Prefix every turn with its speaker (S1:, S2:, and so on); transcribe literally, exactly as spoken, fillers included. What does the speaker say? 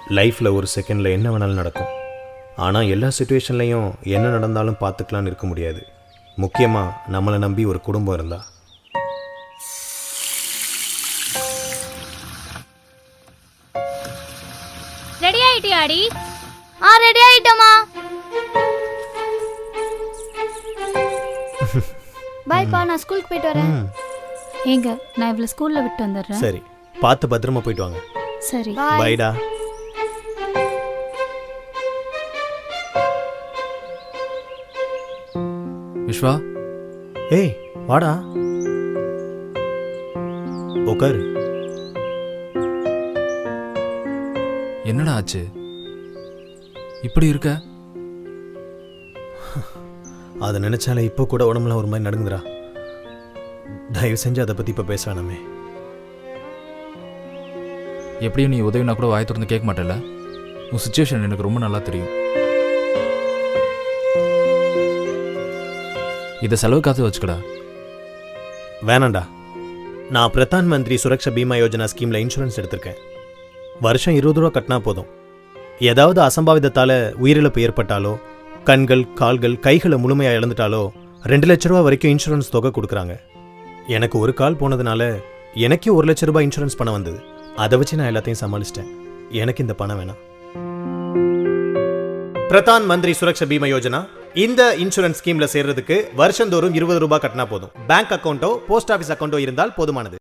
S1: லைஃப்பில் ஒரு செகண்டில் என்ன வேணாலும் நடக்கும். ஆனால் எல்லா சுச்சுவேஷன்லையும் என்ன நடந்தாலும் பார்த்துக்கலான்னு இருக்க முடியாது. முக்கியமாக நம்மளை நம்பி ஒரு குடும்பம் இருந்தா.
S2: ரெடி ஆயிட்டியாடி? ஆ ரெடி ஆயிட்டமா. பாய்ப்பா, நான் ஸ்கூலுக்கு போயிட்டு வரேன்.
S3: ஏங்க, நான் இவ்வளவு ஸ்கூல்ல விட்டு வந்துடுறேன்.
S1: சரி, பார்த்து பத்திரமா போயிட்டு வாங்க.
S3: சரி,
S1: பைடா.
S4: விஸ்வா,
S1: ஏய் வாடா, உட்காரு.
S4: என்னடா ஆச்சு? இப்படி இருக்க?
S1: அதை நினைச்சாலே இப்போ கூட உடம்புலாம் ஒரு மாதிரி நடுங்குதுடா. தயவு செஞ்சு அதை பற்றி இப்போ பேச வேணாமே.
S4: எப்படியும் நீ உதவினா கூட வாய் திறந்து கேட்க மாட்டேல்ல? உன் சுச்சுவேஷன் எனக்கு ரொம்ப நல்லா தெரியும். இதை செலவு காத்து வச்சுக்கடா.
S1: வேணாண்டா. நான் பிரதான் மந்திரி சுரக்ஷா பீமா யோஜனா ஸ்கீமில் இன்சூரன்ஸ் எடுத்திருக்கேன். வருஷம் இருபது ரூபா கட்டினா போதும். ஏதாவது அசம்பாவிதத்தால் உயிரிழப்பு ஏற்பட்டாலோ, கண்கள் கால்கள் கைகளை முழுமையாக இழந்துட்டாலோ ரெண்டு லட்ச ரூபா வரைக்கும் இன்சூரன்ஸ் தொகை கொடுக்குறாங்க. எனக்கு ஒரு கால் போனதுனால எனக்கே ஒரு லட்ச ரூபாய் இன்சூரன்ஸ் பணம் வந்தது. அதை வச்சு நான் எல்லாத்தையும் சமாளிச்சிட்டேன். எனக்கு இந்த பணம் வேணாம். பிரதான் மந்திரி சுரக்ஷா பீமா யோஜனா இந்த இன்சூரன்ஸ் ஸ்கீம்ல சேர்றதுக்கு வருஷந்தோறும் இருபது ரூபாய் கட்டினா போதும். பேங்க் அக்கௌண்ட்டோ போஸ்ட் ஆஃபீஸ் அக்கௌண்ட்டோ இருந்தால் போதுமானது.